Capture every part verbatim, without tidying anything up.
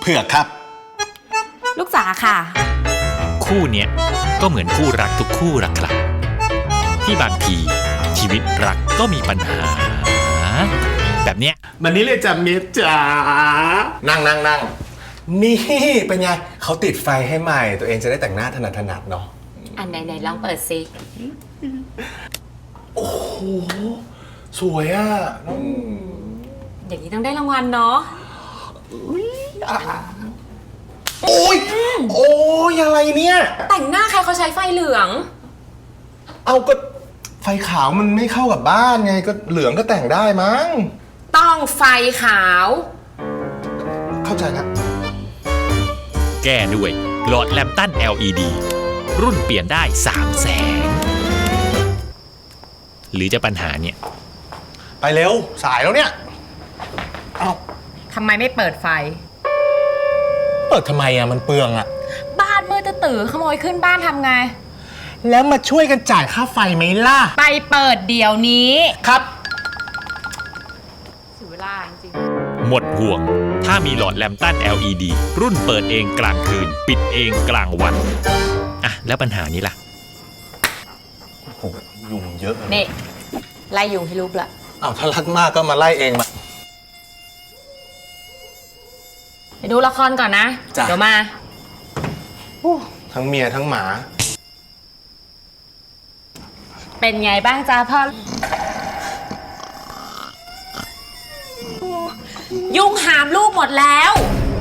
เผือกครับลูกจ๋าค่ะคู่เนี้ยก็เหมือนคู่รักทุกคู่รักครับที่บางทีชีวิตรักก็มีปัญหาแบบเนี้ยมันนี้เลยจ้ะเมธจ๋านั่งนั่งนั่งนี่เป็นไงเขาติดไฟให้ใหม่ตัวเองจะได้แต่งหน้าถนัดถนัดเนาะอันไหนๆลองเปิดซิโอ้โหสวยอ่ะอย่างนี้ต้องได้รางวัลเนาะโอ้ยโอ้ยอะไรเนี่ยแต่งหน้าใครเขาใช้ไฟเหลืองเอาก็ไฟขาวมันไม่เข้ากับบ้านไงก็เหลืองก็แต่งได้มั้งต้องไฟขาวเข้าใจแล้วแก้ด้วยหลอดแลมตัน แอล อี ดี รุ่นเปลี่ยนได้สามแสงหรือจะปัญหาเนี่ยไปเร็วสายแล้วเนี่ยเอาทำไมไม่เปิดไฟเปิดทำไมอ่ะมันเปลืองอ่ะบ้านมืดจะตื่นขโมยขึ้นบ้านทำไงแล้วมาช่วยกันจ่ายค่าไฟไหมล่ะไปเปิดเดี๋ยวนี้ครับเสียเวลาจริงหมดห่วงถ้ามีหลอดแลมตัน แอล อี ดี รุ่นเปิดเองกลางคืนปิดเองกลางวันอ่ะแล้วปัญหานี้ล่ะโอ้โหยุงเยอะนี่ไล่ยุงให้ลูกละอ้าวถ้ารักมากก็มาไล่เองมาไปดูละครก่อนนะเดี๋ยวมาทั้งเมียทั้งหมาเป็นไงบ้างจ้าพ่อยุงหามลูกหมดแล้ว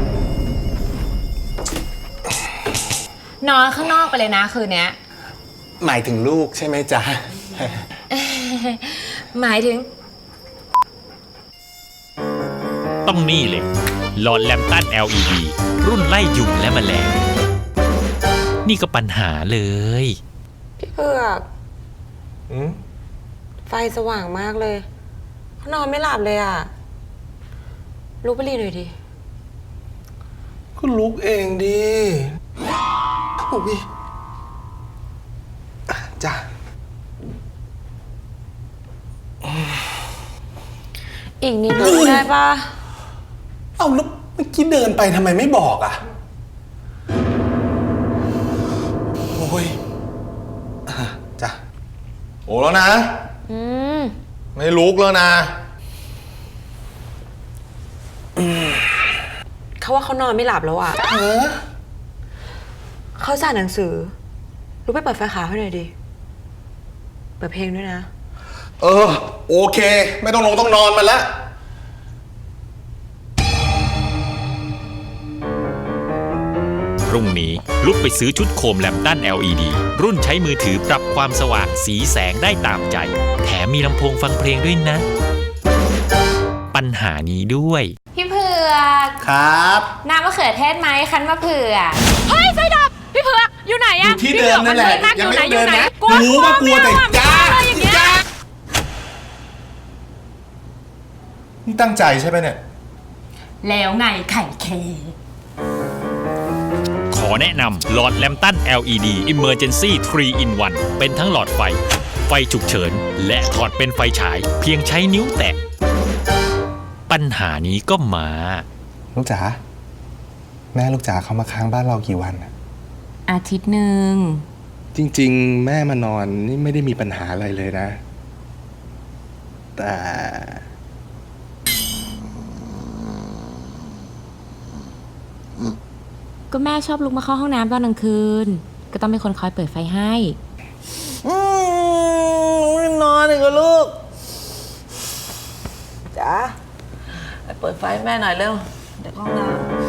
นอนข้างนอกไปเลยนะคืนนี้หมายถึงลูกใช่ไหมจ๊ะหมายถึงต้องนี่เลยหลอดแลมตัน แอล อี ดี รุ่นไล่ยุงและแมลงนี่ก็ปัญหาเลยพี่เผือกไฟสว่างมากเลยเขานอนไม่หลับเลยอ่ะลุกไปรีหน่อยดิก็ลุกเองดิโอ้ยจ้ะอีกนิดนึงได้ปะเอาแล้วเมื่อกี้เดินไปทำไมไม่บอกอ่ะโอ้ยจ้ะโอ้แล้วนะอืมไม่ลุกแล้วนะเขาว่าเขานอนไม่หลับแล้วอ่ะเออเขาอ่านหนังสือลุกไปเปิดไฟขาวให้หน่อยดิเปิดเพลงด้วยนะเออโอเคไม่ต้องลงต้องนอนมันแล้วพรุ่งนี้ลุกไปซื้อชุดโคมแลมตัน แอล อี ดี รุ่นใช้มือถือปรับความสว่างสีแสงได้ตามใจแถมมีลำโพงฟังเพลงด้วยนะปัญหานี้ด้วยพี่เผือกครับน้ำมะเขือเทศไหมคั้นมะเผือกเฮ้ยไฟดับพี่เผือกอยู่ไหนอะที่เดิมนั่นแหละยังไม่เดินนะกลัวว่ากลัวแต่จ้าจ้านี่ตั้งใจใช่ไหมเนี่ยแล้วไงไข่เคขอแนะนำหลอดแลมตัน แอล อี ดี Emergency ทรี อิน วัน เป็นทั้งหลอดไฟไฟฉุกเฉินและถอดเป็นไฟฉายเพียงใช้นิ้วแตะปัญหานี้ก็มาลูกจ๋าแม่ลูกจ๋าเขามาค้างบ้านเรากี่วันอะอาทิตย์หนึ่งจริงๆแม่มานอนนี่ไม่ได้มีปัญหาอะไรเลยนะแต่ก็แม่ชอบลุกมาเข้าห้องน้ำตอนกลางคืนก็ต้องเป็นคนคอยเปิดไฟให้อืมนอนอีกแล้วลูกจ๋าไปเปิดไฟให้แม่หน่อยเร็วเดี๋ยวห้องน้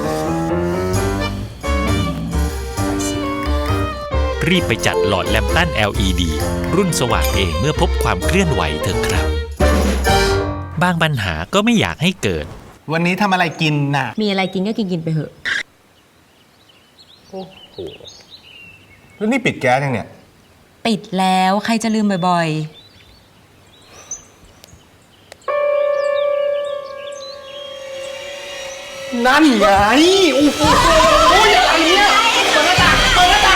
ำรีบไปจัดหลอดแลมตัน แอล อี ดี รุ่นสว่างเองเมื่อพบความเคลื่อนไหวเถอะครับบางปัญหาก็ไม่อยากให้เกิดวันนี้ทำอะไรกินน่ะมีอะไรกินก็กินกินไปเถอะโอ้โหแล้วนี่ปิดแก๊สยังเนี่ยปิดแล้วใครจะลืมบ่อยๆนั่นไงโอ้โหอะไรเนี่ยเปิดหน้าต่างเปิดหน้าต่าง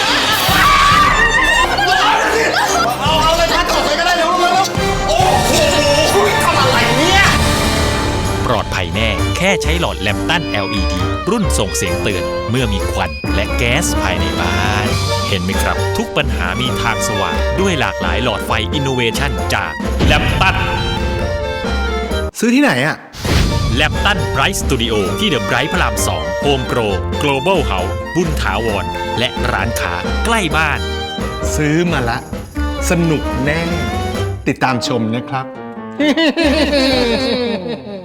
เอาเอาเลยทัดต่อไปก็ได้เร็วเร็วโอ้โหทำอะไรเนี่ยปลอดภัยแน่แค่ใช้หลอดแลมตัน แอล อี ดี รุ่นส่งเสียงเตือนเมื่อมีควันและแก๊สภายในบ้าน เห็นไหมครับ ทุกปัญหามีทางสว่างด้วยหลากหลายหลอดไฟอินโนเวชันจากแลมตันซื้อที่ไหนอ่ะแลมตันไบรท์สตูดิโอที่เดอะไบรท์พระรามสองโฮมโปร Global House บุญถาวร และร้านค้าใกล้บ้านซื้อมาละ สนุกแน่ ติดตามชมนะครับ